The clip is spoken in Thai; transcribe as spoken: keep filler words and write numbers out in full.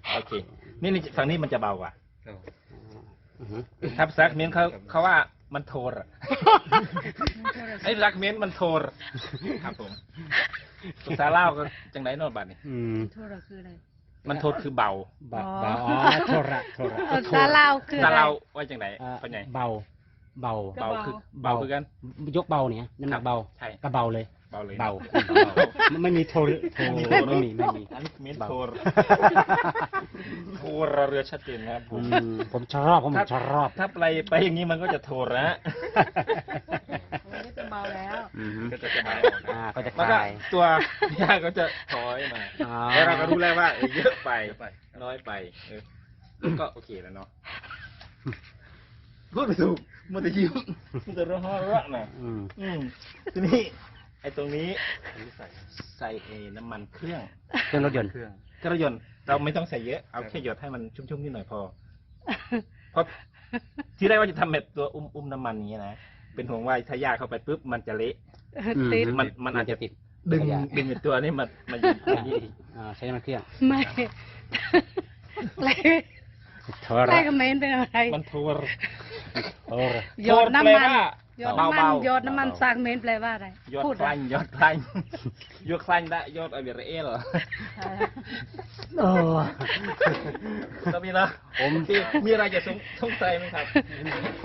โอเคนี่นี่ฝั่งนี้มันจะเบากว่าอือฮึครับซักเมนเขาเขาว่ามันโทรไอ้รักเมนมันโทรครับผมภาษาลาวก็จังไหนโนอนบัดนี่อืมโทรคืออะไรมันโทรคือเบาเบาเบาอ๋อโทระโทระภาษาลาวคือภาอะษาไรลาวว่าจังไหนอ่าเป็นไงเบาเบาเบาคือเบาคือกันยกเบาเนี่ยน้ำหนักเบาใช่ก็เบาเลยเบาเลยเบาไม่มีโทรโทรไม่มีไม่มีอันนี้เมนโทรโทรเรือชัดเจนนะครับผอืมมผมชอบผมชอบถ้าไปไปอย่างนี้มันก็จะโทรนะมันก็จะเบาแล้วอือฮึก็จะจะเบาอ่าก็จะคแล้วก็ลายตัวยาก็จะถอยมาอ๋อแล้วเราก็รู้แล้วว่าเออเยอะไปน้อยไปเออก็โอเคแล้วเนาะพูดไม่ถูกมันจะยิ้มมันจะร้องร้องนะอืมอืมทีนี้ไอ้ตรงนี้ใส่เอน้ำมันเครื่องเครื่องรถยนต์เครื่องเครื่องรถยนต์เราไม่ต้องใส่เยอะเอาแค่หยดให้มันชุ่มๆนิดหน่อยพอเพราะที่แรกว่าจะทำแบบตัวอุ้มอุ้มน้ำมันอย่างเงี้ยนะเป็นห่วงว่าถ้ายาเข้าไปปุ๊บมันจะเละติดมันมันอาจจะติดดึงขยะดึงไอ้ตัวนี้มามาอยู่ตรงนี้อีกอ่าใช้น้ำมันเครื่องไม่อะไรโทอะไรระกับเมนเป็นอะไรมันโทรโทระหยดน้ำมันหยดเบาน้ำมันเบาหยดน้ำมันสร้างเมนแปลว่าอะไรยอดพูดคลังยอดคลังยอดคลังได้ยอดอะไรเอลเหรอโอ้ก็มีนะผมมีอะไรจะสงสัยไหมครับ